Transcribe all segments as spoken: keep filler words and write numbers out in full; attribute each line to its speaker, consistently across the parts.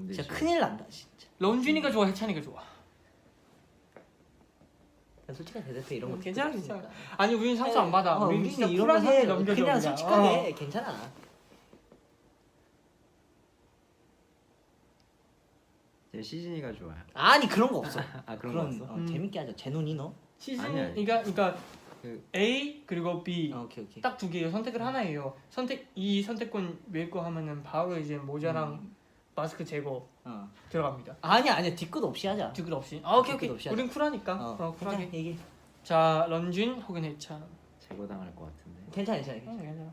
Speaker 1: 진짜
Speaker 2: 지금.
Speaker 1: 큰일 난다 진짜.
Speaker 3: 런쥔이가 좋아, 해찬이가 좋아?
Speaker 1: 야, 솔직하게 대답해 이런 거.
Speaker 3: 음, 괜찮아,
Speaker 1: 듣고
Speaker 3: 괜찮아.
Speaker 1: 싶으니까.
Speaker 3: 아니 우린 상처 안 받아.
Speaker 1: 어,
Speaker 3: 우린
Speaker 1: 우리는
Speaker 3: 진짜
Speaker 1: 이런
Speaker 3: 쿨하게
Speaker 1: 거
Speaker 3: 넘겨줘.
Speaker 1: 그냥
Speaker 3: 그냥.
Speaker 1: 솔직하게
Speaker 3: 어.
Speaker 1: 괜찮아.
Speaker 2: 제 시즌이가 좋아요.
Speaker 1: 아니 그런 거 없어.
Speaker 2: 아 그런
Speaker 1: 그런
Speaker 2: 거 없어?
Speaker 1: 어,
Speaker 3: 음.
Speaker 1: 재밌게 하자. 제논이 너?
Speaker 3: 시즌
Speaker 2: 아니, 아니.
Speaker 3: 그러니까 그러니까
Speaker 2: 그-
Speaker 3: A 그리고 B
Speaker 1: 어, 오케이 오케이.
Speaker 3: 딱 두 개예요. 선택을 하나예요. 선택 이 선택권 낼 거 하면은 바로 이제 모자랑
Speaker 1: 음.
Speaker 3: 마스크 제거
Speaker 1: 어.
Speaker 3: 들어갑니다.
Speaker 1: 아니야 아니야 뒤끝 없이 하자.
Speaker 3: 뒤끝 없이. 아 오케이 오케이.
Speaker 1: 뒤끝 없이 하자.
Speaker 3: 우린 쿨하니까.
Speaker 1: 어,
Speaker 3: 어, 쿨하게.
Speaker 1: 괜찮아, 얘기.
Speaker 3: 자 런쥔 혹은 해찬.
Speaker 2: 제거당할 것 같은데.
Speaker 1: 괜찮아 괜찮아.
Speaker 3: 응,
Speaker 1: 괜찮아.
Speaker 3: 괜찮아.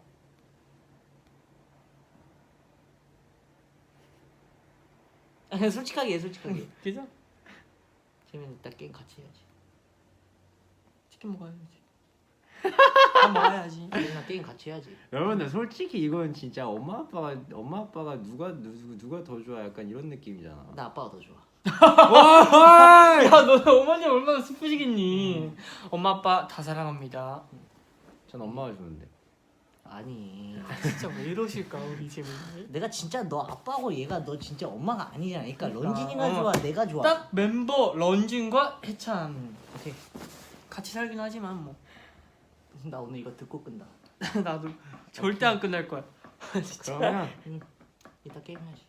Speaker 1: 아니, 솔직하게 해 솔직하게.
Speaker 3: 괜찮아.
Speaker 1: 재민 이따 게임 같이 해야지.
Speaker 3: 치킨 먹어야지. 밥 먹어야지.
Speaker 1: 재민아 게임 같이 해야지.
Speaker 2: 여러분들 솔직히 이건 진짜 엄마 아빠가 엄마 아빠가 누가 누, 누가 더 좋아 약간 이런 느낌이잖아.
Speaker 1: 나 아빠가 더 좋아.
Speaker 2: 와!
Speaker 3: 야, 너 어머니 얼마나 슬프시겠니? 엄마 아빠 다 사랑합니다.
Speaker 2: 전 엄마가 좋은데.
Speaker 1: 아니.
Speaker 3: 진짜 왜 이러실까 우리 재민이?
Speaker 1: 내가 진짜 너 아빠고 얘가 너 진짜 엄마가 아니잖아. 그러니까
Speaker 3: 그러니까.
Speaker 1: 런쥔이가
Speaker 3: 어.
Speaker 1: 좋아, 내가 좋아.
Speaker 3: 딱 멤버 런쥔과 해찬
Speaker 1: 음, 오케이.
Speaker 3: 같이 살긴 하지만 뭐
Speaker 1: 나 오늘 이거 듣고 끈다.
Speaker 3: 나도 절대 안 끝날 거야. 진짜.
Speaker 2: 그러면
Speaker 1: 응. 이따 게임 해야지.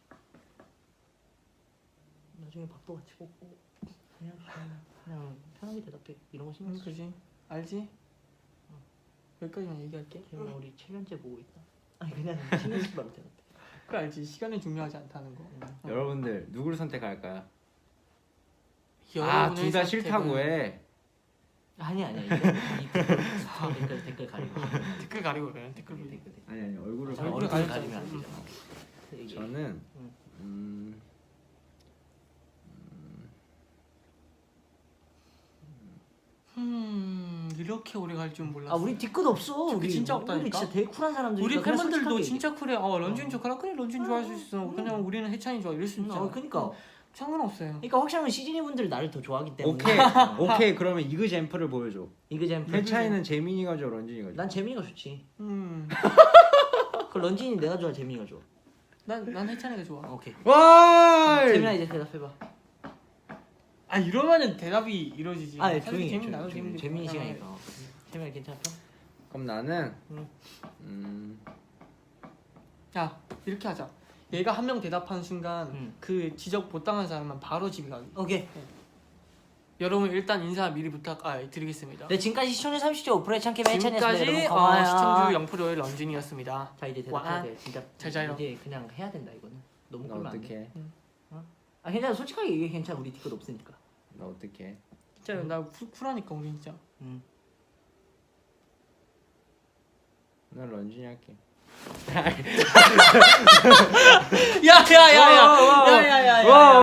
Speaker 1: 나중에 밥도 같이 먹고 그냥 그냥, 그냥 편하게 대답해. 이런 거 신경
Speaker 3: 응,
Speaker 1: 쓰지.
Speaker 3: 그지? 알지? 여기까지만 얘기할게.
Speaker 1: 재민아 우리 칠 년째 보고 있다. 아니 그냥 신경 쓰지 말고 대답해.
Speaker 3: 그 알지? 시간이 중요하지 않다는 거.
Speaker 1: 응.
Speaker 2: 여러분들 누구를 선택할까요?
Speaker 3: 여러분의
Speaker 2: 아둘 다
Speaker 3: 선택은-
Speaker 2: 싫다고 해.
Speaker 1: 아니 아니 이거 이 댓글 댓글 댓글 가리고
Speaker 3: 댓글 가리고 그래. 댓글
Speaker 1: 댓글
Speaker 3: 가리고.
Speaker 1: 댓글.
Speaker 2: 아니 아니 얼굴을
Speaker 1: 자,
Speaker 3: 얼굴을
Speaker 2: 가리고.
Speaker 1: 얼굴
Speaker 3: 가리지
Speaker 1: 가리면 안
Speaker 3: 않고.
Speaker 1: 되잖아. 얘기해.
Speaker 2: 저는
Speaker 1: 응.
Speaker 2: 음,
Speaker 3: 음 이렇게 오래 갈 줄 몰랐어.
Speaker 1: 아 우리 뒤끝 없어.
Speaker 3: 뒤끝
Speaker 1: 우리
Speaker 3: 진짜
Speaker 1: 우리
Speaker 3: 없다니까?
Speaker 1: 진짜 되게 쿨한 사람들이니까
Speaker 3: 우리
Speaker 1: 그냥
Speaker 3: 팬분들도
Speaker 1: 솔직하게
Speaker 3: 진짜 쿨해. 어 런쥔
Speaker 1: 어.
Speaker 3: 좋아라. 그래 런쥔 좋아할 수 있어.
Speaker 1: 음.
Speaker 3: 그냥 우리는 해찬이 좋아. 이럴 수
Speaker 1: 얘기해.
Speaker 3: 있잖아.
Speaker 1: 어 그러니까
Speaker 3: 상관없어요.
Speaker 1: 그러니까 확실하면 시즈니 분들 나를 더 좋아하기 때문에.
Speaker 2: 오케이
Speaker 1: 어.
Speaker 2: 오케이 그러면 이그잼플을 보여줘.
Speaker 1: 이그잼플.
Speaker 2: 해차이는 재민이가 좋아 런쥔이가 좋아.
Speaker 1: 난 재민이가 좋지.
Speaker 3: 음.
Speaker 1: 그 런쥔이 내가 좋아, 재민이가 좋아.
Speaker 3: 난난 해찬이가 좋아.
Speaker 1: 어, 오케이.
Speaker 2: 와!
Speaker 1: 재민아 이제 대답해봐.
Speaker 3: 아 이러면은 대답이 이루어지지.
Speaker 1: 아, 예,
Speaker 3: 사실
Speaker 1: 조용히 해,
Speaker 3: 재민 나도
Speaker 1: 조용히.
Speaker 3: 재민
Speaker 1: 재민이 시간이니까. 어. 재민아 괜찮아?
Speaker 2: 그럼 나는
Speaker 1: 응.
Speaker 2: 음,
Speaker 3: 야 이렇게 하자. 얘가 한 명 대답하는 순간
Speaker 1: 응.
Speaker 3: 그 지적 못 당한 사람만 바로 집에 가기.
Speaker 1: 오케이.
Speaker 3: 여러분 일단 인사 미리 부탁 아 드리겠습니다.
Speaker 1: 네 지금까지 시청률 삼십 점 오 퍼센트의 참깨 매찬이었습니다.
Speaker 3: 지금까지
Speaker 1: 여러분
Speaker 3: 어,
Speaker 1: 고마워요.
Speaker 3: 시청주 영 퍼센트의 런쥔이었습니다.
Speaker 1: 자 이제 대답해야
Speaker 3: 와.
Speaker 1: 돼. 진짜
Speaker 3: 잘 자요.
Speaker 1: 이제 그냥 해야 된다 이거는. 너무
Speaker 2: 나
Speaker 1: 끌면 안 돼.
Speaker 2: 어떡해?
Speaker 1: 아 괜찮아. 솔직하게 얘기해. 괜찮아. 우리 뒤끝 없으니까.
Speaker 2: 나 어떡해?
Speaker 3: 진짜 나 쿨, 쿨하니까 우리 진짜.
Speaker 1: 응.
Speaker 2: 난 런쥔이 할게.
Speaker 3: 야야야야 야야야야.